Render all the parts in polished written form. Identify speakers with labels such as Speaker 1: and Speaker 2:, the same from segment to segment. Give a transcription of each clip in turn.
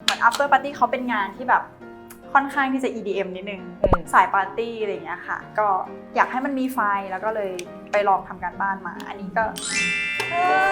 Speaker 1: เหมือน after party เขาเป็นงานที่แบบค่อนข้างที่จะ EDM นิดนึงสายปาร์ตี้อะไรอย่างเงี้ยค่ะก็อยากให้มันมีไฟแล้วก็เลยไปลองทำการบ้านมาอันนี้ก็ไฟ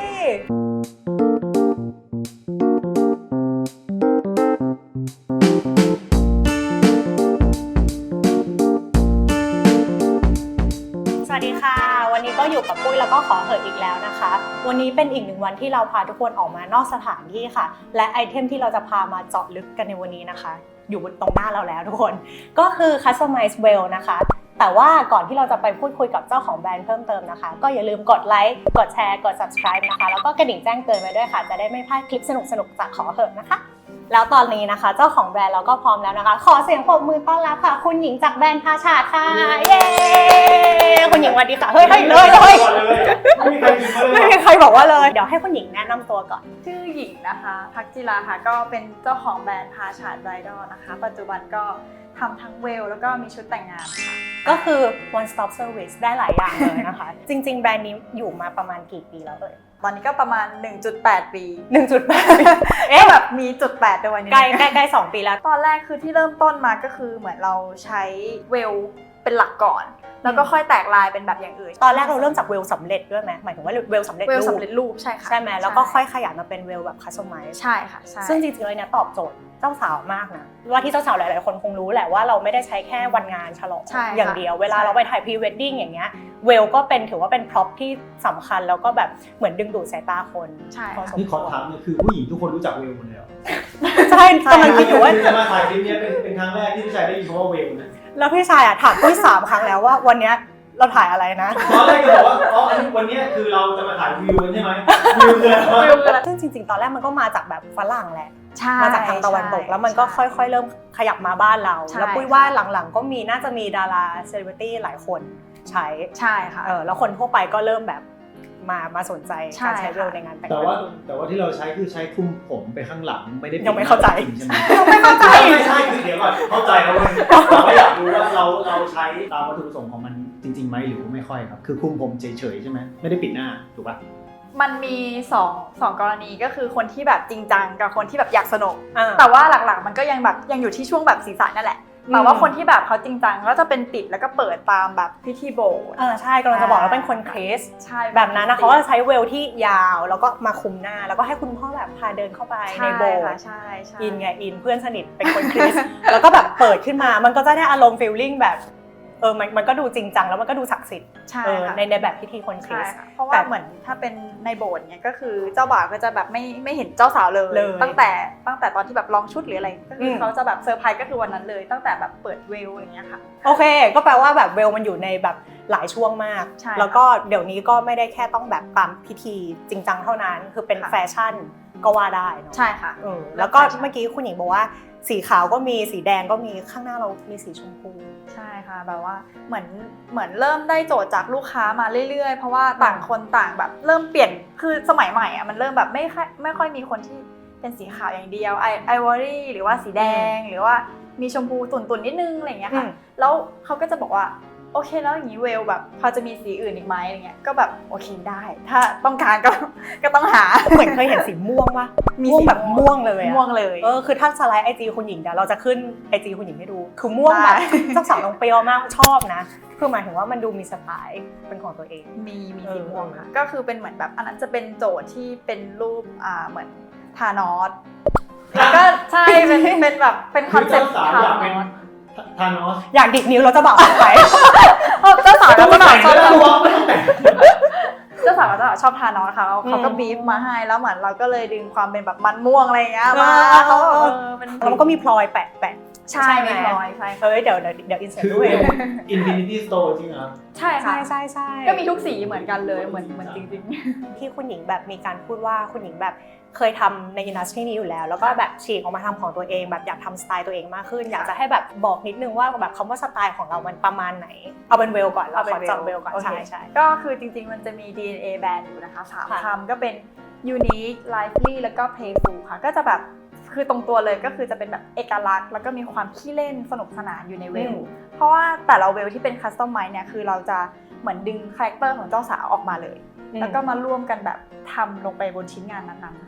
Speaker 2: สวัสดีค่ะวันนี้ก็อยู่กับปุ้ยแล้วก็ขอเหอะอีกแล้วนะคะวันนี้เป็นอีกหนึ่งวันที่เราพาทุกคนออกมานอกสถานที่ค่ะและไอเทมที่เราจะพามาเจาะลึกกันในวันนี้นะคะอยู่ตรงหน้าเราแล้วทุกคนก็คือ Customize Well นะคะแต่ว่าก่อนที่เราจะไปพูดคุยกับเจ้าของแบรนด์เพิ่มเติมนะคะก็อย่าลืมกดไลค์กดแชร์กด Subscribe นะคะแล้วก็กระดิ่งแจ้งเตือนไว้ด้วยค่ะจะได้ไม่พลาดคลิปสนุกๆจากขอเหอะนะคะแล้วตอนนี้นะคะเจ้าของแบรนด์เราก็พร้อมแล้วนะคะขอเสียงปรบมือต้อนรับค่ะคุณหญิงจากแบรนด์พาชาดค่ะเย้คุณหญิงสวัสดีค่ะเฮ้ยเลยไม่มีใครบอกว่าเลยเดี๋ยวให้คุณหญิงแนะนำตัวก่อน
Speaker 1: ชื่อหญิงนะคะพักจิราค่ะก็เป็นเจ้าของแบรนด์พาชาดไบรดอลนะคะปัจจุบันก็ทำทั้งเวลแล้วก็มีชุดแต่งงานค่ะ
Speaker 2: ก็คือ one stop service ได้หลายอย่างเลยนะคะ จริงๆแบรนด์นี้อยู่มาประมาณกี่ปีแล้ว
Speaker 1: ตอนนี้ก็ประมาณ 1.8 ปี
Speaker 2: 1.8 ปี
Speaker 1: แบบมีจุด8ด้วยนี่
Speaker 2: ใกล้2ปีแล้ว
Speaker 1: ตอนแรกคือที่เริ่มต้นมาก็คือเหมือนเราใช้เวลเป็นหลักก่อนแล้วก็ค่อยแตกลายเป็นแบบอย่างอื่น
Speaker 2: ตอนแรกเราเริ่มจากเวลสำเร็จด้วยไหมหมายถึงว่าเวลสำเร็จ
Speaker 1: รูปใช่ค่ะ
Speaker 2: ใช่ไหมแล้วก็ค่อยขยายมาเป็นเวลแบบคัสตอมไมซ์
Speaker 1: ใช่ค่ะใช่
Speaker 2: ซึ่งจริงๆเลยเนี่ยตอบโจทย์เจ้าสาวมากนะว่าที่เจ้าสาวหลายๆคนคงรู้แหละว่าเราไม่ได้ใช้แค่วันงานฉลองอย่างเดียวเวลาเราไปถ่ายพรีเวดดิ้งอย่างเงี้ยเวลก็ถือว่าเป็นพร็อพที่สำคัญแล้วก็แบบเหมือนดึงดูดสายตาคน
Speaker 1: ใช่
Speaker 3: นี่ขอถามเนี่ยคือผู้หญิงทุกคนรู้จักเวลหมดเลยเหรอ
Speaker 2: ใช่กำลังคิดอยู่ว่า
Speaker 3: จะมาถ่ายคลิปนี้เป็นครั้งแรกที่พี่ชายได้ยินคำว่าเวลนะ
Speaker 2: แล้วพี่ชายถามปุ้ย3 ครั้งแล้วว่าวันนี้เราถ่ายอะไรนะ
Speaker 3: ตอนแรกก็บอกว่าวันนี้คือเราจะมาถ่ายวิวกันใช่ไหมวิวคืออะไร
Speaker 2: ซึ่งจริงๆตอนแรกมันก็มาจากแบบฝรั่งแหละ
Speaker 1: มา
Speaker 2: จากทางตะวันตกแล้วมันก็ค่อยๆเริ่มขยับมาบ้านเราแล้วปุ้ยว่าหลังๆก็น่าจะมีดาราเซเลบริตี้หลายคนใ
Speaker 1: ช่ค่ะ
Speaker 2: แล้วคนทั่วไปก็เริ่มแบบมาสนใจการใช้เวลในงานแต่ง
Speaker 3: แต่ว่าที่เราใช้คือใช้คลุมผมไปข้างหลังไม่ได้
Speaker 2: ยังไม่เข้าใจ
Speaker 3: ใช่ไหมไม่ใช่คือเดี๋ยวก่อนเข้าใจแล้วเราไม่อยากรู้ว่าเราใช้ตามวัตถุประสงค์ของมันจริงๆไหมหรือไม่ค่อยครับคือคลุมผมเฉยๆใช่ไหมไม่ได้ปิดหน้าถูกป่ะ
Speaker 1: มันมีสองกรณีก็คือคนที่แบบจริงจังกับคนที่แบบอยากสนุกแต่ว่าหลักๆมันก็ยังอยู่ที่ช่วงแบบศีรษะนั่นแหละแต่ว่าคนที่แบบเขาจริงจังก็จะเป็นปิดแล้วก็เปิดตามแบบพิธีโบสถ์
Speaker 2: ใช่กำลังจะบอกว่าเป็นคนคริสต์แบบนั้นนะเขาก็จะใช้เวลที่ยาวแล้วก็มาคุมหน้าแล้วก็ให้คุณพ่อแบบพาเดินเข้าไปในโบสถ์อินเพื่อนสนิทเป็นคนคริสต์แล้วก็แบบเปิดขึ้นมามันก็จะได้อารมณ์ฟีลลิ่งแบบมันก็ดูจริงจังแล้วมันก็ดูศักดิ์สิทธิ์ในแบบพิธีคนคริสต์
Speaker 1: เพราะว่าเหมือนถ้าเป็นในโบสถ์เนี่ยก็คือเจ้าบ่าวก็จะแบบไม่เห็นเจ้าสาวเลยตั้งแต่ตอนที่แบบลองชุดหรืออะไรก็คือเขาจะแบบเซอร์ไพรส์ก็คือวันนั้นเลยตั้งแต่แบบเปิดเวลอย่างเงี้ยค่ะ
Speaker 2: โอเคก็แปลว่าแบบเวลมันอยู่ในแบบหลายช่วงมากแล้วก็เดี๋ยวนี้ก็ไม่ได้แค่ต้องแบบตามพิธีจริงจังเท่านั้นคือเป็นแฟชั่นก็ว่าได้เนาะ
Speaker 1: ใช่ค่ะ
Speaker 2: แล้วก็เมื่อกี้คุณหญิงบอกว่าสีขาวก็มีสีแดงก็มีข้างหน้าเรามีสีชมพู
Speaker 1: ใช่ค่ะแบบว่าเหมือนเริ่มได้โจทย์จากลูกค้ามาเรื่อยๆเพราะว่าต่างคนต่างแบบเริ่มเปลี่ยนคือสมัยใหม่อ่ะมันเริ่มแบบไม่ค่อยมีคนที่เป็นสีขาวอย่างเดียวไอวอรี่หรือว่าสีแดงหรือว่ามีชมพูตุ่นๆนิดนึงอะไรอย่างเงี้ยค่ะแล้วเขาก็จะบอกว่าโอเคแล้วอย่างนี้เวลแบบพอจะมีสีอื่นอีกไหมอะไรเงี้ยก็แบบโอเคได้ถ้าต้องการก็ต้องหา
Speaker 2: เหมือนเคยเห็นสีม่วงป่ะม่วงแบบม่วงเลยคือถ้าสไลด์ IG คุณหญิงเดี๋ยวเราจะขึ้น IG คุณหญิงให้ดูคือม่วงแบบเจ้าสาวน้องเปรี้ยวมากชอบนะคือหมายถึงว่ามันดูมีสไตล์เป็นของตัวเอง
Speaker 1: มีสีม่วงค่ะก็คือเป็นเหมือนแบบอันนั้นจะเป็นโจทย์ที่เป็นรูปเหมือนธานอสก็ใช่เป็นแบบเป็นคอนเซ็ปต์ธานอส
Speaker 2: อยากดิดนิ้วเราจะบอกไป
Speaker 1: เจ้าสาวชอบทานอสเขาก็บีฟมาให้แล้วเหมือนเราก็เลยดึงความเป็นแบบมันม่วงอะไรอย่างเงี้ยมา
Speaker 2: แล้วมันก็มีพลอยแปะ
Speaker 1: ใช่มีพลอยใช่
Speaker 2: เดี๋ยวอินเสิร์ตด้วย
Speaker 3: Infinity Store จริงเหรอ
Speaker 1: ใช่ค่ะ
Speaker 2: ใช่
Speaker 1: ก็มีทุกสีเหมือนกันเลยเหมือนจริง
Speaker 2: ๆที่คุณหญิงแบบมีการพูดว่าคุณหญิงแบบเคยทำในอินดัสทรีนี้อยู่แล้วแล้วก็แบบฉีกออกมาทำของตัวเองแบบอยากทำสไตล์ตัวเองมากขึ้นอยากจะให้แบบบอกนิดนึงว่าแบบคำว่าสไตล์ของเรามันประมาณไหนเอาเป็นเวลก่อนเราขอจับเวลก่อนใช่
Speaker 1: ก็คือจริงๆมันจะมี DNA แบรนด์อยู่นะคะ3คำก็เป็น unique lively แล้วก็ playful ค่ะก็จะแบบคือตรงตัวเลยก็คือจะเป็นแบบเอกลักษณ์แล้วก็มีความขี้เล่นสนุกสนานอยู่ในเวลเพราะว่าแต่ละเวลที่เป็นคัสตอมไมซ์เนี่ยคือเราจะเหมือนดึงคาแรคเตอร์ของเจ้าสาวออกมาเลยแล้วก็มาร่วมกันแบบทำลงไปบนชิ้นงานนั้นๆค่ะ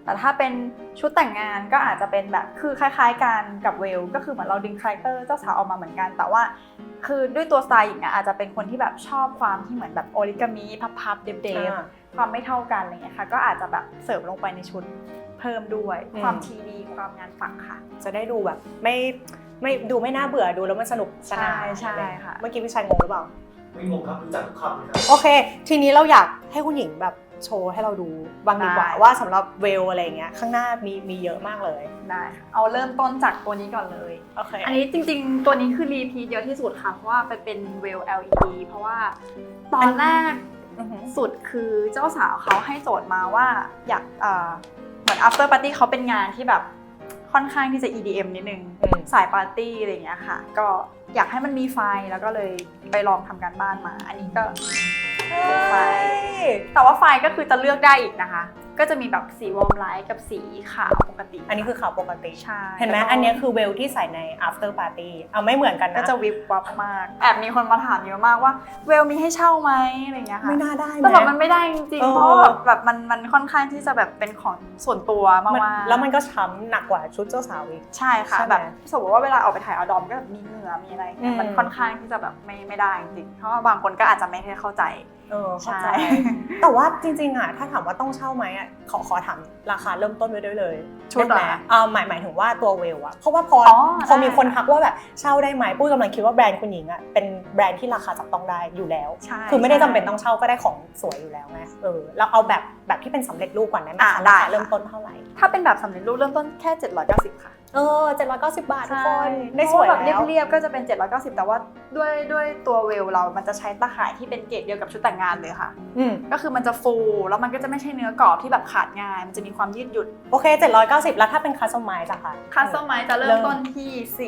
Speaker 1: แต่ถ้าเป็นชุดแต่งงานก็อาจจะเป็นแบบคือคล้ายๆกันกับเวลก็คือเหมือนเราดึงคาแรคเตอร์เจ้าสาวออกมาเหมือนกันแต่ว่าคือด้วยตัวสไตล์หญิงอาจจะเป็นคนที่แบบชอบความที่เหมือนแบบโอริกามิพับๆเดฟๆความไม่เท่ากันอะไรเงี้ยค่ะก็อาจจะแบบเสริมลงไปในชุดเพิ่มด้วยความทีดีความงานฝักค่ะ
Speaker 2: จะได้ดูแบบไม่ดูไม่น่าเบื่อดูแล้วมันสนุกสนาน
Speaker 1: ใช่ค่ะ
Speaker 2: เมื่อกี้พี่ชายงงหรือเปล่า
Speaker 3: ไม่งงครับรู้จักทุกคำเลยครับ
Speaker 2: โอเคทีนี้เราอยากให้คุณหญิงแบบโชว์ให้เราดูบ้างดีกว่าว่าสำหรับเวลอะไรเงี้ยข้างหน้ามีเยอะมากเลย
Speaker 1: ได้ค่ะเอาเริ่มต้นจากตัวนี้ก่อนเลย
Speaker 2: โอเค
Speaker 1: อันนี้จริงๆตัวนี้คือรีพีทเยอะที่สุดค่ะเพราะว่าเป็นเวล LED เพราะว่าตอนแรกสุดคือเจ้าสาวเขาให้โจทย์มาว่าอยากเหมือน after party เขาเป็นงานที่แบบค่อนข้างที่จะ EDM นิดนึงสายปาร์ตี้อะไรอย่างเงี้ยค่ะก็อยากให้มันมีไฟแล้วก็เลยไปลองทำการบ้านมาอันนี้ก็ไฟแต่ว่าไฟก็คือจะเลือกได้อีกนะคะก็จะมีแบบสีวอร์มไลท์กับสีขาวปกติ
Speaker 2: อันนี้คือขาวปกติ
Speaker 1: ใช่
Speaker 2: เห็นไหมอันนี้คือเวลที่ใส่ใน after party เอาไม่เหมือนกันนะ
Speaker 1: ก็จะวิบวับมากแอบมีคนมาถามเยอะมากว่าเวลมีให้เช่าไหมอะไรเงี้ยค่ะ
Speaker 2: ไม่น่าได้
Speaker 1: แต่แบบมันไม่ได้จริงๆเพราะแบบมันค่อนข้างที่จะแบบเป็นของส่วนตัวมากๆ
Speaker 2: แล้วมันก็ช้ำหนักกว่าชุดเจ้าสาวอีก
Speaker 1: ใช่ค่ะแบบสมมติว่าเวลาออกไปถ่ายเอาดอมก็แบบมีเหงื่อมีอะไรมันค่อนข้างที่จะแบบไม่ได้จริงๆเพราะว่าบางคนก็อาจจะไม่ได้เข้าใจ
Speaker 2: เข้าใจแต่ว่าจริงๆอ่ะถ้าถามว่าต้องเช่าไหมอ่ะขอถามราคาเริ่มต้นไว้ด้วยเลย
Speaker 1: ชุดไหน
Speaker 2: หมายถึงว่าตัวเวลอ่ะเพราะว่าพอมีคนทักว่าแบบเช่าได้ไหมปุ้ยกำลังคิดว่าแบรนด์คุณหญิงอ่ะเป็นแบรนด์ที่ราคาจับต้องได้อยู่แล้วคือไม่ได้จำเป็นต้องเช่าก็ได้ของสวยอยู่แล้วไงเราเอาแบบที่เป็นสำเร็จรูปก่อนได้ไหมคะราคาเริ่มต้นเท่าไหร่
Speaker 1: ถ้าเป็นแบบสำเร็จรูปเริ่มต้นแค่790ค่ะ
Speaker 2: 790 บาททุกคนได้สวย
Speaker 1: แบบเรียบๆก็จะเป็น790แต่ว่าด้วยตัวเวลเรามันจะใช้ตะข่ายที่เป็นเกรดเดียวกับชุดแต่งงานเลยค่ะก็คือมันจะฟูแล้วมันก็จะไม่ใช่เนื้อกรอบที่แบบขาดง่ายมันจะมีความยืดหยุ่น
Speaker 2: โอเค790แล้วถ้าเป็นคัสตอมไมซ์อะค่ะ
Speaker 1: คัสตอมไมซ์จะเริ่มต้นที่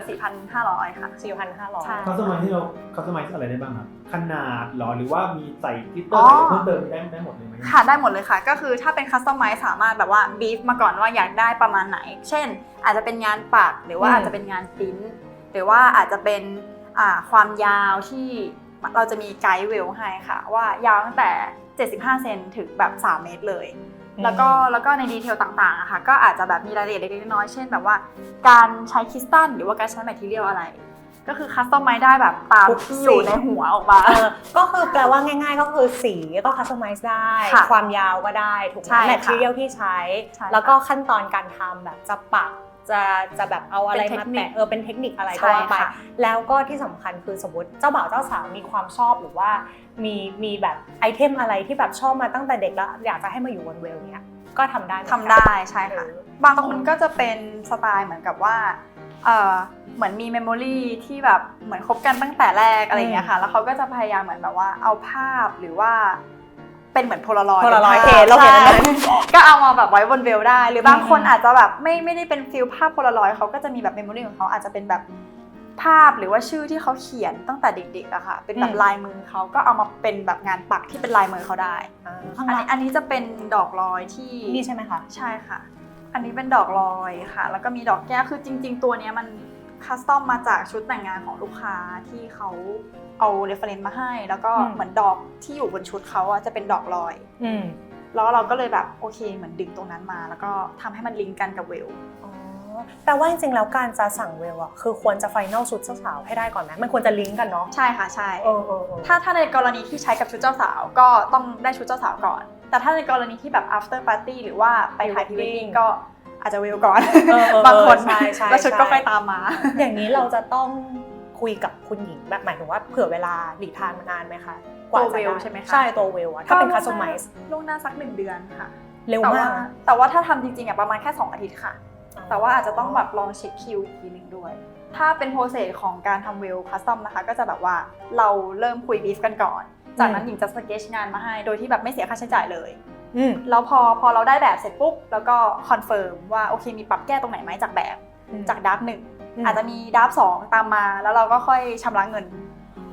Speaker 1: 4,500ค่ะ
Speaker 2: 4,500
Speaker 3: คัสตอมไมซ์ที่เราคัสตอมไมซ์อะไรได้บ้างครับขนาดหรอหรือว่ามีใส่กลิตเตอร์อะไรเพิ่มเติมได้หมดเลยไหม
Speaker 1: ค่ะได้หมดเลยค่ะก็คือถ้าเป็นคัสตอมไมซ์สามารถแบบว่าบีฟมาก่อนว่าอยากได้ประมาณไหนเช่นอาจจะเป็นงานปักหรือว่าอาจจะเป็นงานปริ้นหรือว่าอาจจะเป็นความยาวที่เราจะมีไกด์เวลให้ค่ะว่ายาวตั้งแต่75เซนถึงแบบ3เมตรเลยแล้วก็ในดีเทลต่างๆอะค่ะก็อาจจะแบบมีรายละเอียดเล็กๆน้อยๆเช่นแบบว่าการใช้คริสตัลหรือว่าการใช้แมททีเรียลอะไรก็คือคัสตอมไมซ์ได้แบบตามที่อยู่ในหัวออกมา
Speaker 2: ก็คือแปลว่าง่ายๆก็คือสีก็คัสตอมไมซ์ได้ความยาวก็ได้ถูกไหมแมททีเรียลที่ใช้แล้วก็ขั้นตอนการทำแบบจะปักจะแบบเอาอะไรมาแปะเป็นเทคนิคอะไรก็ว่าไปแล้วก็ที่สำคัญคือสมมติเจ้าบ่าวเจ้าสาวมีความชอบหรือว่ามีแบบไอเทมอะไรที่แบบชอบมาตั้งแต่เด็กแล้วอยากจะให้มาอยู่บนเวลเนี้ยก็ทำได้
Speaker 1: ใช่ค่ะบางคนก็จะเป็นสไตล์เหมือนกับว่าเหมือนมีเมมโมรีที่แบบเหมือนคบกันตั้งแต่แรกอะไรอย่างเงี้ยค่ะแล้วเขาก็จะพยายามเหมือนแบบว่าเอาภาพหรือว่าเป็นเหมือนโพลารอยด์
Speaker 2: เราเห็นนั้น
Speaker 1: ก็เอามาแบบไว้บนเวลได้หรือบางคนอาจจะแบบไม่ได้เป็นฟิลภาพโพลารอยด์เขาก็จะมีแบบเมมโมรีของเขาอาจจะเป็นแบบภาพหรือว่าชื่อที่เขาเขียนตั้งแต่เด็กๆอะค่ะเป็นแบบลายมือเขาก็เอามาเป็นแบบงานปักที่เป็นลายมือเขาได้อันนี้จะเป็นดอกลอยที่
Speaker 2: นี่ใช่ไหมคะ
Speaker 1: ใช่ค่ะอันนี้เป็นดอกลอยค่ะแล้วก็มีดอกแก้วคือจริงๆตัวนี้มันคัสตอมมาจากชุดแต่งงานของลูกค้าที่เขาเอาเรฟเฟรนซ์มาให้แล้วก็เหมือนดอกที่อยู่บนชุดเขาจะเป็นดอกลอยแล้วเราก็เลยแบบโอเคเหมือนดึงตรงนั้นมาแล้วก็ทำให้มันลิงก์กันกับเวล
Speaker 2: แปลว่าจริงๆแล้วการจะสั่งเวลคือควรจะไฟนอลชุดเจ้าสาวให้ได้ก่อนไหมมันควรจะลิงก์กันเนาะ
Speaker 1: ใช่ค่ะใช่ถ้าในกรณีที่ใช้กับชุดเจ้าสาวก็ต้องได้ชุดเจ้าสาวก่อนแต่ถ้าในกรณีที่แบบ after party หรือว่าไปถ่ายพรีเวดดิ้งก็อาจจะเวลก่อนบางคนแล้วชุดก็ค่อยตามมา
Speaker 2: อย่างนี้เราจะต้องคุยกับคุณหญิงแบบหมายถึงว่าเผื่อเวลาหลีกทางมานานไหมคะ
Speaker 1: กว่าเวลใช่ไหมคะ
Speaker 2: ใช่ตัวเวลถ้าเป็นคัสตอมไมซ์
Speaker 1: ล่วงหน้าสัก1 เดือนค่ะ
Speaker 2: เร็วมาก
Speaker 1: แต่ว่าถ้าทำจริงๆประมาณแค่2 อาทิตย์ค่ะแต่ว่าอาจจะต้องแบบลองเช็คคิวอีกทีนึงด้วยถ้าเป็นโปรเซสของการทำเวลคัสตอมนะคะก็จะแบบว่าเราเริ่มคุยบีฟกันก่อนจากนั้นหญิงจะสเกจงานมาให้โดยที่แบบไม่เสียค่าใช้จ่ายเลยแล้วพอเราได้แบบเสร็จปุ๊บแล้วก็คอนเฟิร์มว่าโอเคมีปรับแก้ตรงไหนไหมจากแบบจากดับ1อาจจะมีดับ2ตามมาแล้วเราก็ค่อยชำระเงิน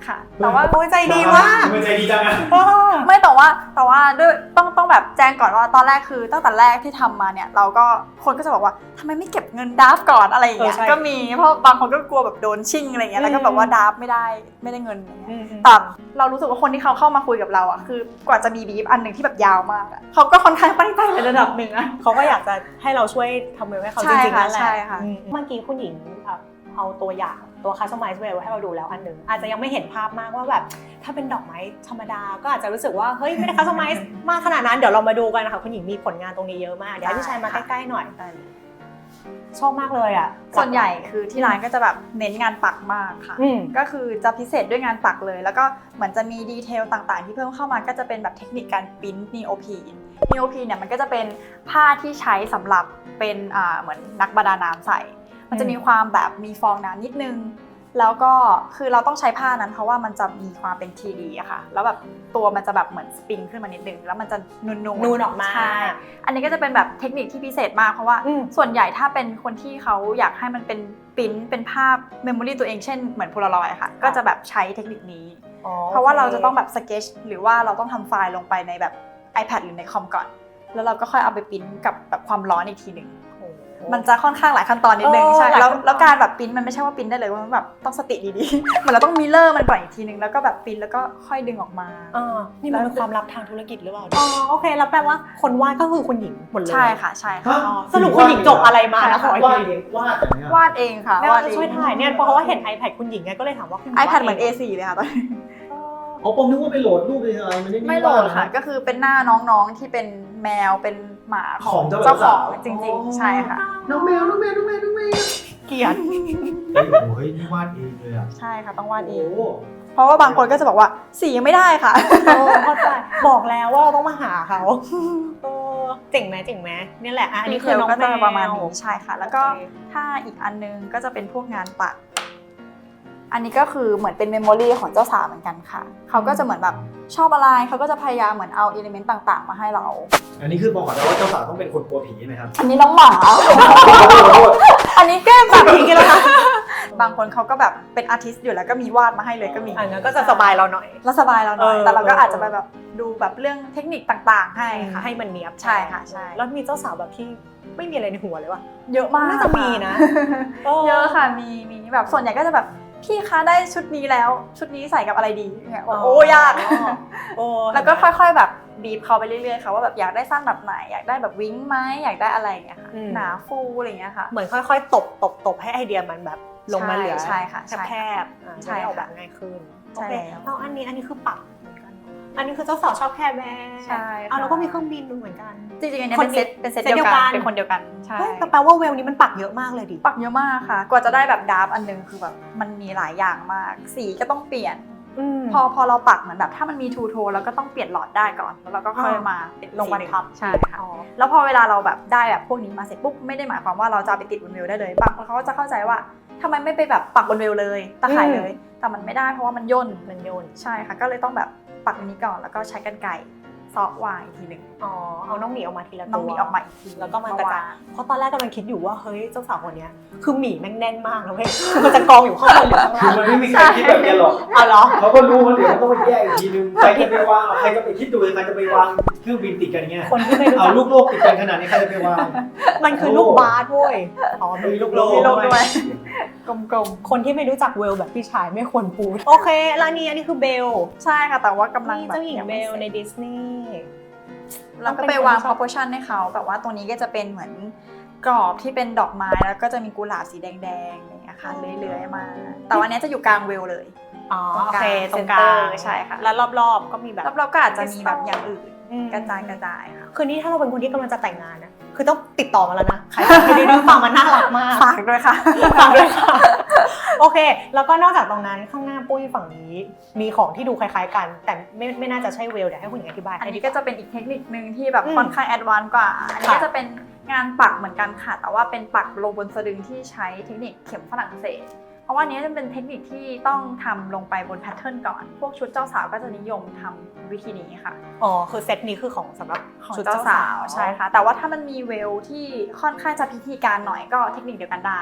Speaker 1: ค่ะแต่ว่า
Speaker 2: โอ้ยใจดีมาก
Speaker 3: มันใจดีจังอะ
Speaker 1: ไม่แต่ว่าด้วยต้องแบบแจ้งก่อนว่าตอนแรกคือตั้งแต่แรกที่ทำมาเนี่ยเราก็คนก็จะบอกว่าทำไมไม่เก็บเงินดราฟก่อนอะไรอย่างเงี้ย
Speaker 2: ใช่
Speaker 1: ก็มีเพราะบางคนก็กลัวแบบโดนชิ่งอะไรเงี้ยแล้วก็แบบว่าดราฟไม่ได้เงินอะไรเงี้ยแต่เรารู้สึกว่าคนที่เขาเข้ามาคุยกับเราอ่ะคือกว่าจะมีบีฟอันหนึ่งที่แบบยาวมากอ่ะเขาก็ค่อนข้างตั้งใจในระดับหนึ่งอ่ะ
Speaker 2: เขาก็อยากจะให้เราช่วยทำเวลให้เขา
Speaker 1: ใช่
Speaker 2: จริงๆ
Speaker 1: ค่ะ
Speaker 2: นั่นแหละ
Speaker 1: ใช่ค่ะ
Speaker 2: เมื่อกี้คุณหญิงเอาตัวอย่างตัว customize whale ให้เราดูแล้วอันหนึ่งอาจจะยังไม่เห็นภาพมากว่าแบบถ้าเป็นดอกไม้ธรรมดาก็อาจจะรู้สึกว่าเฮ้ยไม่ได้ customize มากขนาดนั้นเดี๋ยวเรามาดูกันนะคะคุณหญิงมีผลงานตรงนี้เยอะมากเดี๋ยวให้พี่ชายมาใกล้ๆหน่อยชอบมากเลยอ่ะ
Speaker 1: ส่วนใหญ่คือที่ร้านก็จะแบบเน้นงานปักมากค่ะ
Speaker 2: อืม
Speaker 1: ก็คือจะพิเศษด้วยงานปักเลย แล้วก็เหมือนจะมีดีเทลต่างๆ ที่เพิ่มเข้ามาก็จะเป็นแบบเทคนิคการปริ้นนีโอพีเนี่ยมันก็จะเป็นผ้าที่ใช้สำหรับเป็นเหมือนนักประดาน้ำใส่ มันจะมีความแบบมีฟองน้ำนิดนึง แล้วก็คือเราต้องใช้ผ้านั้นเพราะว่ามันจะมีความเป็น 3D อะค่ะ แล้วแบบตัวมันจะแบบเหมือนสปริงขึ้นมานิดนึง แล้วมันจะนูนๆ
Speaker 2: ออกมา
Speaker 1: ใช่อันนี้ก็จะเป็นแบบเทคนิคที่พิเศษมากเพราะว่า ส่วนใหญ่ถ้าเป็นคนที่เขาอยากให้มันเป็นปริ้นเป็นภาพเมมโมรีตัวเองเช่นเหมือนโพลารอยด์ค่ะ ก็จะแบบใช้เทคนิคนี้ เพราะว่าเราจะต้องแบบสเก็ตหรือว่าเราต้องทำไฟล์ลงไปในแบบ iPad หรือในคอมก่อน แล้วเราก็ค่อยเอาไปปริ้นกับแบบความร้อนอีกทีหนึ่งมันจะค่อนข้างหลายขั้นตอนนิดนึงใช่แล้วการแบบปริ้นมันไม่ใช่ว่าปริ้นได้เลยว่ามันแบบต้องสติดีๆ เหมือนเราต้องมิเรอร์มันก่อนอีกทีนึงแล้วก็แบบปริ้นแล้วก็ค่อยดึงออกมา
Speaker 2: นี่มันเป็นความลับทางธุรกิจหรือเปล่าอ๋อโอเคแล้วแปลว่าคนวาดก็คือคุณหญิงหมดเลย
Speaker 1: ใช่ค่ะใช่ค่ะ
Speaker 2: สรุปคุณหญิงจบอะไรมานะขออีก
Speaker 3: วาด
Speaker 2: ที
Speaker 3: เองวาดอย่างเงี้ย
Speaker 1: วาดเองค่ะ
Speaker 2: แม่ว่าจะช่วยถ่ายเนี่ยเพราะว่าเห็น iPad คุณหญิงไงก็เลยถามว่าคุณหญิงวาด
Speaker 1: iPad เหมือน A4 เลยค่ะตอนนี้
Speaker 3: อ๋อผมนึกว่าไปโหลดรูปเป็นอะไรมันไม่
Speaker 1: ไม่โหลดค่ะก็คือเป็นหน้าน้องๆที่เป็นแมวเป็นหมาของเจ้าของจริงๆใช่ค่ะ
Speaker 3: น้องแมว
Speaker 2: เกลียด
Speaker 3: เฮ้ยนี่วาดเองเลยอ่ะ
Speaker 1: ใช่ค่ะต้องวาดเอง
Speaker 3: โอ้
Speaker 1: เพราะว่าบางคนก็จะบอกว่าสียังไม่ได้ค่ะ
Speaker 2: เข้าใจบอกแล้วว่าเราต้องมาหาเขาเจ๋งไหมเนี่ยแหละอันนี้คือน้อง
Speaker 1: ก็
Speaker 2: แม
Speaker 1: จะ
Speaker 2: ว
Speaker 1: ประมาณนี้ใช่ค่ะ แล้วก็
Speaker 2: โอเค
Speaker 1: ถ้าอีกอันนึงก็จะเป็นพวกงานปัก อันนี้ก็คือเหมือนเป็นเมมโมรีของเจ้าสาวเหมือนกันค่ะเขาก็จะเหมือนแบบชอบอะไรเขาก็จะพยายามเหมือนเอาอิเลเมนต์ต่างๆมาให้เรา
Speaker 3: อันนี้คือบอกก่อนนะว่าเจ้าสาวต้องเป็นคนกลัวผีไหมครับ
Speaker 1: อันนี้น้องหมา อันนี้แก้แบบนี้กันแล้วค่ะบางคนเขาก็แบบเป็นอาร์ติสต์อยู่แล้วก็มีวาดมาให้เลยก็มี
Speaker 2: อันนั้นก็จะสบายเราหน่อย
Speaker 1: แล้วสบายเราหน่อย
Speaker 2: เออ
Speaker 1: แต่เราก็อาจจะไปแบบดูแบบเรื่องเทคนิคต่างๆให้ค่ะ
Speaker 2: ให้มันเนียบ
Speaker 1: ใช่ค่ะใช่
Speaker 2: แล้วมีเจ้าสาวแบบที่ไม่มีอะไรในหัวเลยวะ
Speaker 1: เยอะมาก
Speaker 2: น่าจะมีนะ
Speaker 1: เยอะค่ะมีแบบส่วนใหญ่ก็จะแบบพี่คะได้ชุดนี้แล้วชุดนี้ใส่กับอะไรดีเนี่ยโอ้ยาก แล้วก็ค่อยๆแบบบีบเขาไปเรื่อยๆค่ะว่าแบบอยากได้สั้นแบบไหนอยากได้แบบวิ้งไหมอยากได้อะไรอย่างเงี้ยค่ะหนาฟูอะไรอย่างเงี้ยค่ะ
Speaker 2: เหมือนค่อยๆตบให้ไอเดียมันแบบลงมาเหลือ
Speaker 1: ใช่ค่ะ
Speaker 2: แคบๆ
Speaker 1: ใช่
Speaker 2: จะได้ออก
Speaker 1: ค่ะ
Speaker 2: แบบง่ายขึ้น
Speaker 1: ใช่
Speaker 2: โอเค
Speaker 1: แล้ว
Speaker 2: แล้วอันนี้คือปักเหมือนกันอันนี้คือเจ้าสาวชอบแคร์แบร์
Speaker 1: ใช่ค่ะ
Speaker 2: แล้วก็มีเครื่องบินเหมือนกัน
Speaker 1: จริงๆอันนี้
Speaker 2: คน
Speaker 1: เป็นเซตเดียวกันเป็นคนเดียวกันใช่
Speaker 2: เฮ้ยแปลว่าเวลนี้มันปักเยอะมากเลยดิ
Speaker 1: ปักเยอะมากค่ะ กว่าจะได้แบบดาร์ฟอันนึงคือแบบมันมีหลายอย่างมาก สีก็ต้องเปลี่ยน พอเราปักเหมือนแบบถ้ามันมีทูโทนแล้วก็ต้องเปลี่ยนหลอดได้ก่อน แล้วเราก็ค่อยมาเป็น
Speaker 2: ลงมาทับ
Speaker 1: ใช่ค่ะ แล้วพอเวลาเราแบบได้แบบพวกนี้มาเสร็จปุ๊บไม่ได้หมายความว่าเราจะเอาไปติดบนเวลได้เลยบางคนเขาก็จะเข้าใจว่าทำไมไม่ไปแบบปักบนเวลเลยตะข่ายเลย แต่มันไม่ได้เพราะว่ามันย่นใช่ค่ะก็เลยต้องแบบปักอันนี้ก่อนแล้วก็ใช้กรรไกรซอกวางอีกทีหนึ่ง
Speaker 2: เอาน้องหมีออกมาทีละตัว
Speaker 1: น้องมีออกมาอีกที
Speaker 2: แล้วก็มากระจาย
Speaker 1: วาง
Speaker 2: เพราะตอนแรกกำลังคิดอยู่ว่าเฮ้ยเจ้าสาวคนเนี้ยคือหมีแม่งแน่นมากนะเว้ยมันจะกองอยู่ข้างบนหรือข้าง
Speaker 3: คือ
Speaker 2: ล่าง
Speaker 3: มันไม่มีใครคิดแบบนี้หรอก
Speaker 2: เอาเหรอ
Speaker 3: เขาก็รู้ว่าเดี๋ยวมันต้องไปแยกอีกทีนึงใครจะไปวางใครจะไปคิดดูใครจะไปวางเครื่องบินติดกันเงี้ย
Speaker 2: คนที่ไม่รู้
Speaker 3: เอา
Speaker 2: จัก
Speaker 3: ลูกโลกติดกันขนาดนี้ใครจะไปวาง
Speaker 2: มันคือลูกบาสเว้ยมีลูกโล
Speaker 1: มีลูก
Speaker 2: ก
Speaker 1: ด้วย กลม
Speaker 2: คนที่ไม่รู้จักเวลแบบพี่ชายไม่ควรพูดโอเคแล้วอันนี้คือเบล
Speaker 1: ๆใช่ค่ะแต่ว่ากำลัง
Speaker 2: นี่
Speaker 1: แบบ
Speaker 2: เจ้าหญิง
Speaker 1: ยัง
Speaker 2: เบ
Speaker 1: ไม่
Speaker 2: ล
Speaker 1: สร็จ
Speaker 2: ในดิสนีย์
Speaker 1: เราก็ไปวาง proportion ให้เขาแบบว่าตรงนี้ก็จะเป็นเหมือนกรอบที่เป็นดอกไม้แล้วก็จะมีกุหลาบสีแดงๆอย่างเงี้ยค่ะเลื้อยๆมา แต่ว่าอันเนี้ยจะอยู่กลางเวลเลย
Speaker 2: อ๋อ
Speaker 1: ตรง
Speaker 2: โอก
Speaker 1: ลาง
Speaker 2: เคตรงกลาง
Speaker 1: center ใช่ค่ะ
Speaker 2: แล้วรอบๆก็มีแบบ
Speaker 1: แล้วเราก็อาจจะมีแบบอย่างอื่นกระจายค่ะ
Speaker 2: คือนี่ถ้าเราเป็นคนที่กำลังจะแต่งงานนะคือต้องติดต่อมาแล้วนะใครที่ได้ดูฟังมันน่ารักมาก
Speaker 1: ฝากด้วยค่ะ
Speaker 2: ฝากด้วยค่ะโอเค แล้วก็นอกจากตรงนั้นข้างหน้าปุ้ยฝั่งนี้มีของที่ดูคล้ายๆกัน แต่ไม่น่าจะใช่เวลเดี๋ยวให้คุณหญิงอธิบาย
Speaker 1: อัน
Speaker 2: ให้
Speaker 1: นี้
Speaker 2: ดี
Speaker 1: ก็จะเป็นอีกเทคนิคนึงที่แบบ
Speaker 2: อืม
Speaker 1: ค่อนข้างแอดวานซ์กว่า อันนี้
Speaker 2: ค่ะ
Speaker 1: ก็จะเป็นงานปักเหมือนกันค่ะ แต่ว่าเป็นปักลงบนสะดึงที่ใช้เทคนิคเข็มฝรั่งเศส เพราะว่าอันนี้จะเป็นเทคนิคที่ต้องทำลงไปบนแพทเทิร์นก่อน พวกชุดเจ้าสาวก็จะนิยมทำวิธีนี้ค่ะ
Speaker 2: อ๋อคือเซตนี้คือของสำหรับ
Speaker 1: ของ
Speaker 2: ชุด
Speaker 1: เจ้าสาวใช่ค่ะ แต่ว่าถ้ามันมีเวลที่ค่อนข้างจะพิธีการหน่อยก็เทคนิคเดียวกันได้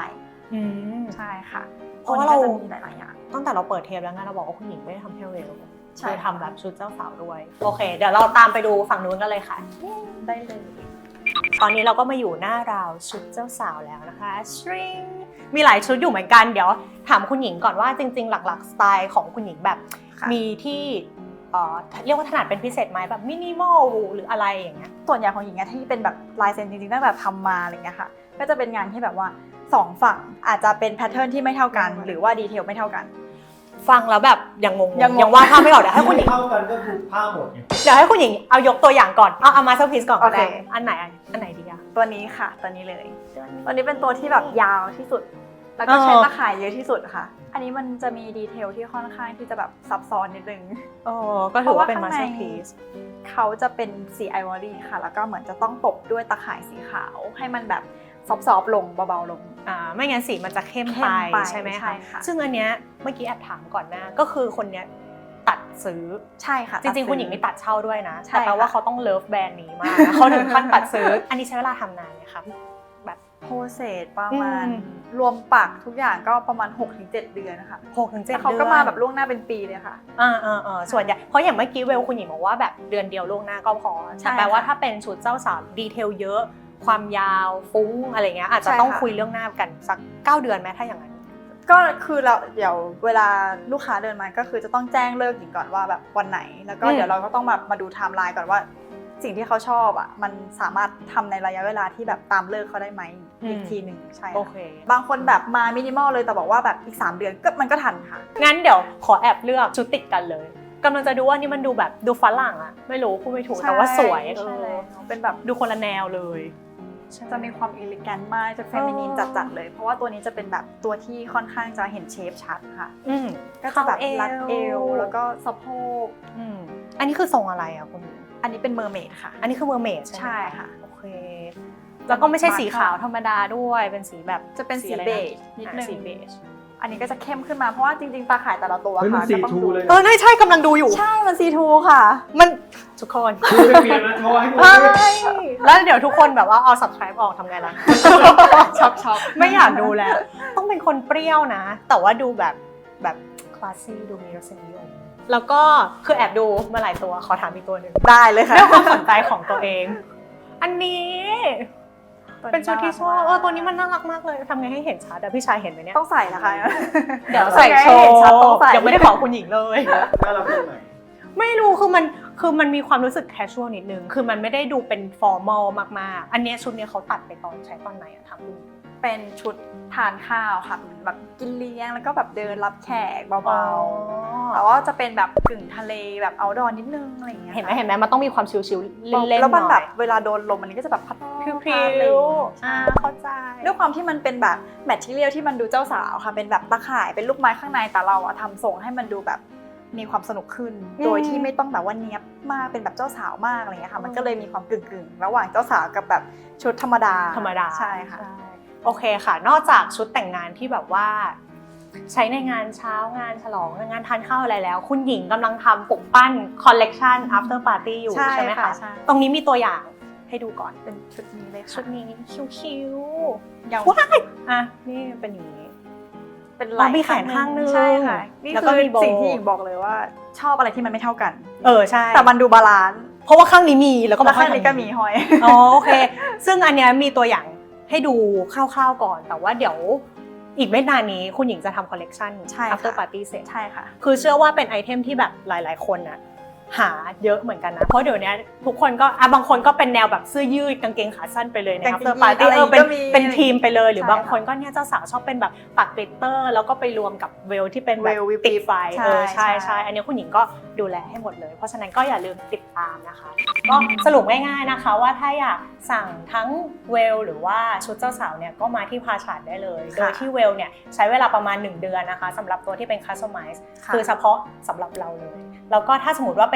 Speaker 1: ใช่ค่ะ
Speaker 2: เพราะว่าเรา
Speaker 1: ตัวนี้ก็จะมีหลายๆอย่าง
Speaker 2: ตั้งแต่เราเปิดเทปแล้วไงเราบอกว่าคุณหญิงไม่ได้ทำแค่เวล
Speaker 1: ใช่
Speaker 2: คือทำแบบชุดเจ้าสาวด้วยโอเคเดี๋ยวเราตามไปดูฝั่งนู้นกันเลยค่ะ
Speaker 1: ได้เลย
Speaker 2: ตอนนี้เราก็มาอยู่หน้าราวชุดเจ้าสาวแล้วนะคะชริงมีหลายชุดอยู่เหมือนกันเดี๋ยวถามคุณหญิงก่อนว่าจริงๆหลักๆสไตล์ของคุณหญิงแบบ
Speaker 1: ค่ะ
Speaker 2: มีที่เรียกว่าถนัดเป็นพิเศษไหมแบบมินิมอลหรืออะไรอย่างเงี้ย
Speaker 1: ส่วนใหญ่ของหญิงอะที่เป็นแบบลายเซ็นจริงๆตั้งแต่ทำมาอะไรเงี้ยค่ะ ก็จะเป็นงานที่แบบว่า2ฝั่งอาจจะเป็นแพทเทิร์นที่ไม่เท่ากัน หรือว่าดีเทลไม่เท่ากัน
Speaker 2: ฟังแล้วแบบยังงง
Speaker 1: ยังงง
Speaker 2: ยังว่าดภาพไม่ออกเดี๋ยวให้คุณหญิง
Speaker 3: เท่ากันก็คือผ้าหมดไง
Speaker 2: เดี๋ยวให้คุณหญิงเอายกตัวอย่างก่อนเอามาสเตอร์พีซก่อนก็ได้
Speaker 1: โอเค
Speaker 2: อันไหนดีอะ
Speaker 1: ตัวนี้ค่ะ ตัวนี้เลย ตัวนี้เป็นตัวที่แบบยาวที่สุด แล้วก็ใช้ตะข่ายเยอะที่สุดค่ะ อันนี้มันจะมีดีเทลที่ค่อนข้างที่จะแบบซับซ้อนนิดนึง
Speaker 2: ก็ถือว่าเป็น
Speaker 1: เพ
Speaker 2: มา
Speaker 1: ราะว่า
Speaker 2: ส
Speaker 1: ข้างใน
Speaker 2: เตอร์พีซ
Speaker 1: เขาจะเป็นสีไอวอรี่ค่ะ แล้วก็เหมือนจะต้องตบด้วยตะข่ายสีขาว ให้มันแบบซอฟๆลงเบาๆลง
Speaker 2: ไม่งั้นสีมันจะเข้ม
Speaker 1: เข้
Speaker 2: ไป
Speaker 1: มไป
Speaker 2: ใช่ไหม
Speaker 1: ใช่
Speaker 2: คะ
Speaker 1: ค่ะ
Speaker 2: ซึ่งอันเนี้ยเมื่อกี้แอบถามก่อนหน้าก็คือคนเนี้ยตัดซื้อ
Speaker 1: ใช่ค่ะ
Speaker 2: จริงๆคุณหญิงมีตัดเช่าด้วยนะ
Speaker 1: ใช่
Speaker 2: แต่แปลว่า
Speaker 1: ค่ะ
Speaker 2: เขาต้องเลิฟแบรนด์นี้มากนะเขาถึงขั้นตัดซื้อ อันนี้ใช้เวลาทำนานไหมคะแบบ
Speaker 1: โปรเซสประมาณ
Speaker 2: อืม
Speaker 1: รวมปักทุกอย่างก็ประมาณ 6-7 เดือนนะคะ
Speaker 2: 6-7
Speaker 1: แต่เขาก็มาแบบล่วงหน้าเป็นปีเลยค่ะ
Speaker 2: ส่วนใหญ่เพราะอย่างเมื่อกี้เวลคุณหญิงบอกว่าแบบเดือนเดียวล่วงหน้าก็พอ
Speaker 1: ใช่
Speaker 2: แต่แปลว่า
Speaker 1: ค่ะ
Speaker 2: ถ้าเป็นชุดเจ้าสาวดีเทลเยอะ ความยาวฟุ้งอะไรเงี้ยอาจจะ
Speaker 1: ใช่
Speaker 2: ต้อง
Speaker 1: ค่ะ
Speaker 2: คุยเรื่องหน้ากันสัก9 เดือนไหมถ้าอย่างนั้น
Speaker 1: ก็คือเราเดี๋ยวเวลาลูกค้าเดินมาก็คือจะต้องแจ้งเลิกหญิงก่อนว่าแบบวันไหน แล้วก็
Speaker 2: อืม
Speaker 1: เดี๋ยวเราก็ต้องมาดูไทม์ไลน์ก่อนว่าสิ่งที่เขาชอบอ่ะมันสามารถทำในระยะเวลาที่แบบตามเลิกเขาได้ไหมอีกทีหนึ่งใช่ค่ะ
Speaker 2: โอเค
Speaker 1: บางคนแบบมามินิมอลเลยแต่บอกว่าแบบอีก3 เดือนก็มันก็ทันค่ะ
Speaker 2: งั้นเดี๋ยวขอแอบเลือกชุดติดกันเลยกำลังจะดูว่านี่มันดูแบบดูฝรั่งอะไม่รู้พูดไม่ถูกแต่ว่าสวย
Speaker 1: ใช่เลยเป็นแบบ
Speaker 2: ดูคนละแนวเลย
Speaker 1: จะมีความอิเลแกนต์มากจะเฟมินีนจัดๆเลย เพราะว่าตัวนี้จะเป็นแบบตัวที่ค่อนข้างจะเห็นเชฟชัดค่ะ ก็จะแบบรัดเอวแล้วก็สะโพก
Speaker 2: อันนี้คือทรงอะไรอะคุณ
Speaker 1: อันนี้เป็นเมอร์เมดค่ะ
Speaker 2: อันนี้คือเมอร์เมดใช่ไหม
Speaker 1: ใช่ค่ะ
Speaker 2: โอเค แล้วก็ไม่ใช่สีขาวธรรมดาด้วยเป็นสีแบบ
Speaker 1: จะเป็นสี
Speaker 2: อะไรนะ
Speaker 1: เบจนิดนึง
Speaker 2: สีเบจ
Speaker 1: อันนี้ก็จะเข้มขึ้นมาเพราะว่าจริงๆตาข่ายแต่ละตัว
Speaker 3: เฮ้ยมัน
Speaker 1: ค่ะ
Speaker 3: สี
Speaker 1: ก็ต้อง
Speaker 3: ทู
Speaker 1: ดู
Speaker 3: เลย
Speaker 2: ใช่กำลังดูอยู่
Speaker 1: ใช่มันซีทูค่ะ
Speaker 2: มันทุกคน
Speaker 3: ทูไม่เปลี่ยนนะโชว์ให้ดู
Speaker 2: ใช่แล้วเดี๋ยวทุกคนแบบว่าเอา subscribe ออกทำไงล่ะ
Speaker 1: ช็อก
Speaker 2: ไม่อยากดูแล้ว ต้องเป็นคนเปรี้ยวนะ แต่ว่าดูแบบคลาสซี่ดูมีรสนิยมแล้วก็คือแอบดูมาหลายตัวขอถามอีกตัวหนึ่ง
Speaker 1: ได้เลยค่ะ
Speaker 2: เรื่องความสนใจของตัวเอง อันนี้เป็นชุดที่ชอบตัวนี้มันน่ารักมากเลยทำไงให้เห็นชัดอะพี่ชายเห็นไหมเนี่ย
Speaker 1: ต้องใส่นะคะ
Speaker 2: เดี๋ยวใส่โชว์
Speaker 1: เห็นชัดต้องใส่
Speaker 2: ยังไม่ได้บอกคุณหญิงเลย
Speaker 3: แล้วเราเป็นไหน
Speaker 2: ไม่รู้คือมันมีความรู้สึกแคชชวลนิดนึงคือมันไม่ได้ดูเป็นฟอร์มอลมากๆอันเนี้ยชุดเนี้ยเขาตัดไปใช้ตอนไหนอะทำดู
Speaker 1: เป็นชุดทานข้าวค่ะแบบกินเลี้ยงแล้วก็แบบเดินรับแขกเบาๆแต่ว่าจะเป็นแบบกึ่งทะเลแบบเอาดอนิดนึงอะไรอย่างเงี้ย
Speaker 2: เห็นไหมมันต้องมีความชิลๆเล่นๆหน่อย
Speaker 1: แล้วมันแบบเวลาโดนลมอันนี้ก็จะแบบพัด
Speaker 2: พริ้
Speaker 1: พัดอะไรอ
Speaker 2: ว
Speaker 1: ย่างเงี้ย
Speaker 2: เข้าใจ
Speaker 1: ด้วยความที่มันเป็นแบบแมททีเรียลที่มันดูเจ้าสาวค่ะเป็นแบบตะข่ายเป็นลูกไม้ข้างในแต่เราอะทำทรงให้มันดูแบบมีความสนุกขึ้น โดยที่ไม่ต้องแบบว่าเนี้ยบมากเป็นแบบเจ้าสาวมากอะไรเงี้ยค่ะมันก็เลยมีความกึ่งๆระหว่างเจ้าสาวกับแบบชุดธรรมดาใช่ค่ะ
Speaker 2: โอเคค่ะ นอกจากชุดแต่งงานที่แบบว่า ใช้ในงานเช้างานฉลองงานทานข้าวอะไรแล้ว คุณหญิงกำลังทำปลุกปั้นคอลเลกชัน after party อยู่ใช่ไหมคะ
Speaker 1: ใช่
Speaker 2: ตรงนี้มีตัวอย่างให้ดูก่อน
Speaker 1: เป็นชุดนี้เลยค่ะ
Speaker 2: ชุดนี้คิ้ว
Speaker 1: ยาว
Speaker 2: ๆว้ายอ่ะนี่เป็นอย่างนี้
Speaker 1: เป็น
Speaker 2: อ๋อมีแขนข้างนึง
Speaker 1: ใช่ค่ะนี่
Speaker 2: แล้ว
Speaker 1: คื
Speaker 2: ก็
Speaker 1: อ
Speaker 2: มีโบว์
Speaker 1: สิ่งที่หญิงบอกเลยว่าชอบอะไรที่มันไม่เท่ากัน
Speaker 2: ใช่
Speaker 1: แต่มันดูบาลานซ์
Speaker 2: เพราะว่าข้างนี้มีแล้วก็
Speaker 1: แล้ว
Speaker 2: มา
Speaker 1: ข้า
Speaker 2: ข้าง ง
Speaker 1: นี้ก็มีห้อย
Speaker 2: อ๋อโอเค ซึ่งอันเนี้ยมีตัวอย่างให้ดูคร่าวๆก่อน แต่ว่าเดี๋ยวอีกไม่นานนี้คุณหญิงจะทำคอลเลกชัน
Speaker 1: ใช่ค่ะ
Speaker 2: after party เสร็จ
Speaker 1: ใช่ค่ะ
Speaker 2: คือเชื่อว่าเป็นไอเทมที่แบบหลายๆคนนะหาเยอะเหมือนกันนะ เพราะเดี๋ยวนี้ทุกคนก็บางคนก็เป็นแนวแบบเสื้อยืดกางเกงขาสั้นไปเลยใน
Speaker 1: กางเกง
Speaker 2: after party
Speaker 1: ยีนอะไร
Speaker 2: เป็น
Speaker 1: ก็มี
Speaker 2: เป็นทีมไปเลยหรือ
Speaker 1: ใช่
Speaker 2: บางคนก็เนี่ยเจ้าสาวชอบเป็นแบบปักกลิตเตอร์แล้วก็ไปรวมกับเวลที่เป็นแบบ
Speaker 1: เวลวิป
Speaker 2: ติดไฟ
Speaker 1: ใช่
Speaker 2: ใช่
Speaker 1: ใช่
Speaker 2: อันนี้คุณหญิงก็ดูแลให้หมดเลย เพราะฉะนั้นก็อย่าลืมติดตามนะคะ ก็สรุปง่ายๆนะคะว่าถ้าอยากสั่งทั้งเวลหรือว่าชุดเจ้าสาวเนี่ยก็มาที่พาชาร์ดได้เลย โดยที่เวลเนี่ยใช้เวลาประมาณ1 เดือนนะคะสำหรับตัวที่เป็นคัสตอมไมซ์คือเฉพาะสำหรับเราเลยแล้วก็ถ้าสมมติว่าเป็น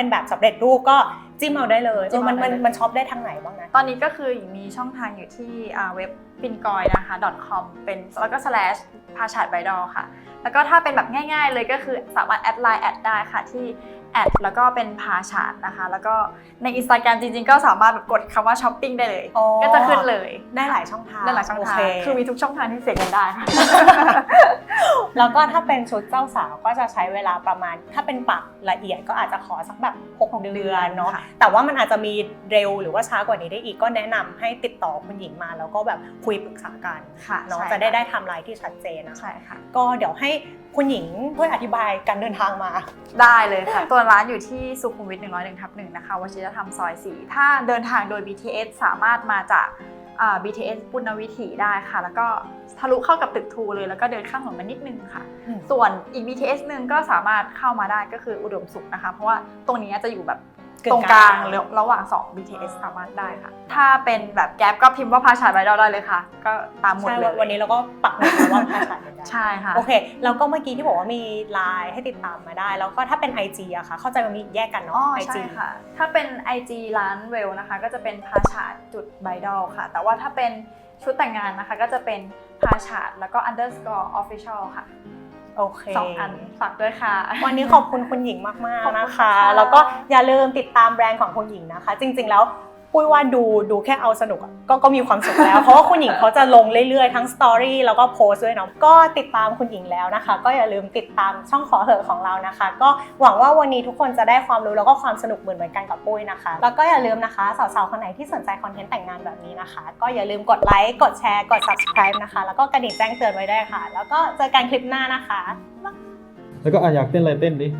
Speaker 2: เป็นแบบสำเร็จรูปก็จิ้มเอาได้เลย
Speaker 1: จิ้มเอาได้เลย
Speaker 2: มันช็อปได้ทางไหนบ้างนะ
Speaker 1: ตอนนี้ก็คือมีช่องทางอยู่ที่เว็บปินกอยนะคะ .com เป็นแล้วก็ / พาชาดไบดอลค่ะแล้วก็ถ้าเป็นแบบง่ายๆเลยก็คือสามารถแอดไลน์แอดได้ค่ะที่แอดแล้วก็เป็นพาชาดนะคะแล้วก็ใน Instagram จริงๆก็สามารถแบบกดคำว่าช้อปปิ้งได้เลย
Speaker 2: อ๋อ
Speaker 1: ก็จะขึ้นเลย
Speaker 2: ได้หลายช่องทาง
Speaker 1: ได้หลายช่องทาง
Speaker 2: โเค
Speaker 1: คือมีทุกช่องทางที่เสกกันได้ค่ะ
Speaker 2: แล้วก็ถ้าเป็นชุดเจ้าสาวก็จะใช้เวลาประมาณถ้าเป็นปักละเอียดก็อาจจะขอสักแบบ6 เดือนเนาะ
Speaker 1: ค่ะ
Speaker 2: แต่ว่ามันอาจจะมีเร็วหรือว่าช้ากว่านี้ได้อีกก็แนะนำให้ติดต่อคุณหญิงมาแล้วก็แบบคุยปรึกษากัน
Speaker 1: ค่ะ
Speaker 2: เนาะ
Speaker 1: ใช่
Speaker 2: จะได้ไทม์ไลน์ที่ชัดเจนนะคะ
Speaker 1: ใช่ค่ะ
Speaker 2: ก็เดี๋ยวให้คุณหญิงช่วยอธิบายการเดินทางมา
Speaker 1: ได้เลยค่ะ ตัวร้านอยู่ที่สุขุมวิท 101/1 นะคะวชิรธรรมซอย 4 ถ้าเดินทางโดย BTS สามารถมาจากBTS ปุณณวิถีได้ค่ะ แล้วก็ทะลุเข้ากับตึกทูเลยแล้วก็เดินข้ามถนนมานิดนึงค่ะ
Speaker 2: อืม
Speaker 1: ส่วนอีก BTS หนึ่งก็สามารถเข้ามาได้ก็คืออุดมสุขนะคะ เพราะว่าตรงนี้จะอยู่แบบตรงกลางระหว่าง2 BTS สามารถได้ค่ะ ถ้าเป็นแบบแก๊ปก็พิมพ์ว่าพาชาดไบดอลได้เลยค่ะ ก็ตามหมด
Speaker 2: ใช่
Speaker 1: เลย
Speaker 2: วันนี้เราก็ปักหมุดมาว่าพาชาดเหมือนกัน
Speaker 1: ใช่ค่ะ
Speaker 2: โอเคแล้วก็เมื่อกี้ที่บอกว่ามีไลน์ให้ติดตามมาได้ แล้วก็ถ้าเป็น IG อะค่ะเข้าใจว่ามีแยกกัน
Speaker 1: อ๋อ
Speaker 2: เนาะ
Speaker 1: ใช่
Speaker 2: IG
Speaker 1: ค่ะ ถ้าเป็น IG ร้านเวลนะคะก็จะเป็นพาชาดจุดไบดอลค่ะ แต่ว่าถ้าเป็นชุดแต่งงานนะคะก็จะเป็นพาชาดแล้วก็ underscore official ค่ะ
Speaker 2: โอเค
Speaker 1: 2 อันฝากด้วยค่ะ
Speaker 2: วันนี้ขอบคุณคุณหญิงมาก
Speaker 1: ขอบ
Speaker 2: ๆ
Speaker 1: คุณ
Speaker 2: นะคะ
Speaker 1: ค่ะ
Speaker 2: แล้วก็อย่าลืมติดตามแบรนด์ของคุณหญิงนะคะ จริง ๆ แล้วปุ้ยว่าดูแค่เอาสนุกอะก็มีความสุขแล้ว เพราะว่าคุณหญิงเขาจะลงเรื่อยๆทั้งสตอรี่แล้วก็โพสต์ด้วยเนาะก็ติดตามคุณหญิงแล้วนะคะ ก็อย่าลืมติดตามช่องขอเหอะของเรานะคะ ก็หวังว่าวันนี้ทุกคนจะได้ความรู้แล้วก็ความสนุกเหมือนกันกับปุ้ยนะคะ แล้วก็อย่าลืมนะคะสาวๆคนไหนที่สนใจคอนเทนต์แต่งงานแบบนี้นะคะ ก็อย่าลืมกดไลค์กดแชร์กด subscribe นะคะแล้วก็กระดิ่งแจ้งเตือนไว้ได้วยค่ะ แล้วก็เจอกันคลิปหน้านะคะ
Speaker 3: แล้วก็อยากเต้นอะไรเต้นดิ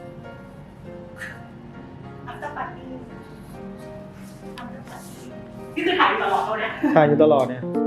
Speaker 2: After party นี่คือถ่ายอยู่ตลอดเท่านี้
Speaker 3: ถ่ายอยู่ตลอดเนี่ย